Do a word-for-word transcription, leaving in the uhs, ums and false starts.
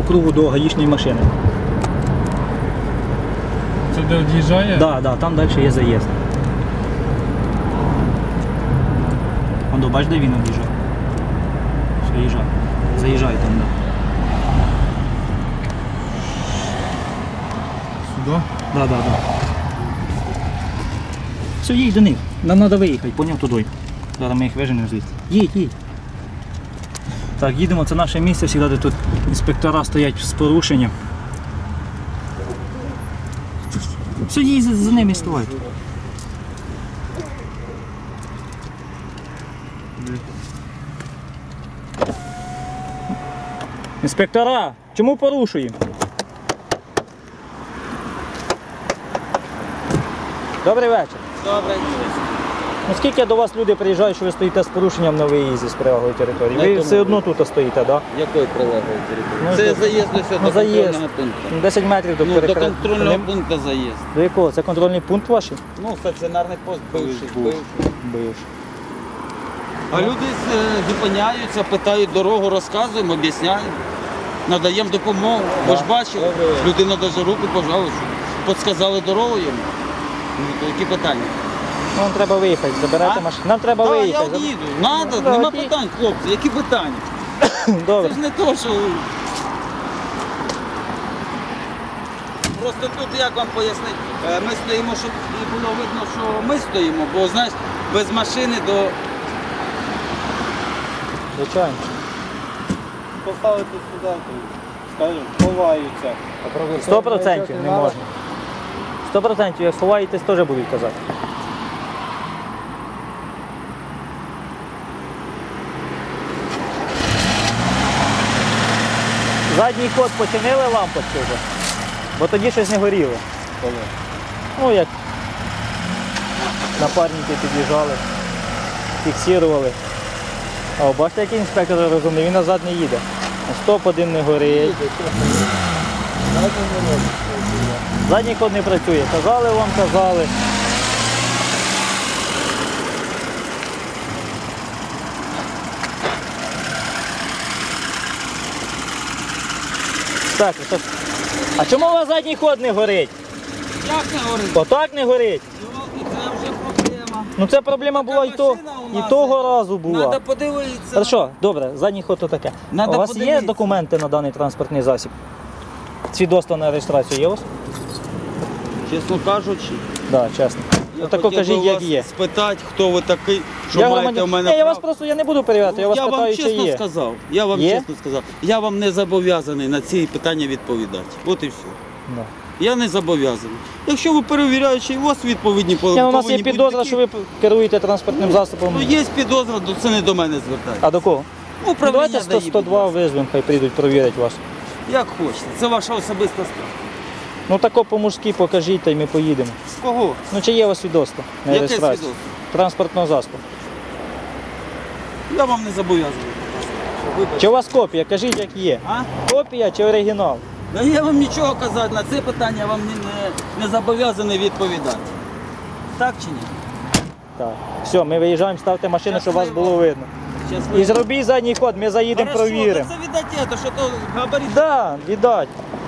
по кругу до гаїчної машини. Це де від'їжджає? Так, да, да, там далі є заїзд. Вон, бач, де він об'їжджає. Все, їжджає. Заїжджає там, так. Сюди? Да, да, да. Все, їдь до них. Нам треба виїхати, поняв, туди. Зараз ми їх виженемо звідси. Їдь, їдь. Так, їдемо, це наше місце, завжди тут інспектора стоять з порушенням. Все, їдь за, за ними, ставай. Інспектора, чому порушуємо? Добрий вечір. Добре. Ну скільки до вас люди приїжджають, що ви стоїте з порушенням на виїзді з прилеглої території? Ви все одно тут стоїте, так? Да? Якої прилеглої території? Ну, це що? заїзд ось Ну, до заїзд. контрольного пункту. десять метрів до Ну, до перекриття. контрольного пункту заїзд. До якого? Це контрольний пункт ваш? Ну, стаціонарний пост бивший. Був. бивший. Бивший. А люди е, зупиняються, питають дорогу, розказуємо, об'ясняємо. Надаємо допомогу. Ви ж бачили, людина навіть руку пожала, що підсказали дорогу йому. Ну, то які питання? Ну, нам треба виїхати, забирайте А? машину. Нам треба Так, виїхати. я їду. Надо, Ну, нема окей. питань, хлопці, які питання? Добре. Це ж не то, що... Просто тут, як вам пояснити, е, ми стоїмо, щоб не було видно, що ми стоїмо, бо, знаєш, без машини до... Звичайно. Поставити сюди, скажімо, ховаються. Сто процентів не можна. Сто процентів, як ховаєтесь, теж будуть казати. Задній ход починили лампочки вже, бо тоді щось не горіло. Коли? Ну як напарники під'їжджали, фіксували. А о, бачите, який інспектор розумний, він назад не їде. Стоп один не горить. Задній ход не працює. Казали вам, казали. Так, так. А чому у вас задній ход не горить? Як не говорить? Отак не горить. Це вже проблема. Ну це проблема була і, то, і того разу була. Треба подивитися. Хорошо, добре, задній ход то таке. Надо у вас є подивитися. документи на даний транспортний засіб? Свідоцтво на реєстрацію є у вас? Чесно кажучи, Так, да, чесно. я Ну, тако хотів кажіть, би як вас є. спитати, хто ви такий, що Я маєте громадян- в мене Ні, я вас право. просто я не буду перевіряти, я вас я питаю, вам чи чесно є. сказав, я вам Є? чесно сказав, я вам не зобов'язаний на ці питання відповідати. От і все. Да. Я не зобов'язаний. Якщо ви перевіряючи, у вас відповідні по- Ні, ну, у нас є повинні бути підозра, такі. що ви керуєте транспортним засобом. Ну, є підозра, то це не до мене звертається. А до кого? Ну, Ну, управління давайте дає, сто сто два визвемо, хай прийдуть, провірять вас. Як хочете, це ваша особиста справа. Ну тако по-мужськи покажіть, та й ми поїдемо. Кого? Ну чи є у вас свідоцтво на Яке реєстрацію? свідоцтво? Транспортного засобу. Я вам не зобов'язаний. Вибачте. Чи у вас копія? Кажіть, як є. А? Копія чи оригінал? Да я вам нічого казати, на це питання я вам не, не, не зобов'язаний відповідати. Так чи ні? Так. Все, ми виїжджаємо, ставте машину, щоб вас Щасливо. було видно. Щасливо. І зробіть задній ход, ми заїдемо, Хорошо, провіримо. Це віддайте, то що то габарит. Так, да, віддать.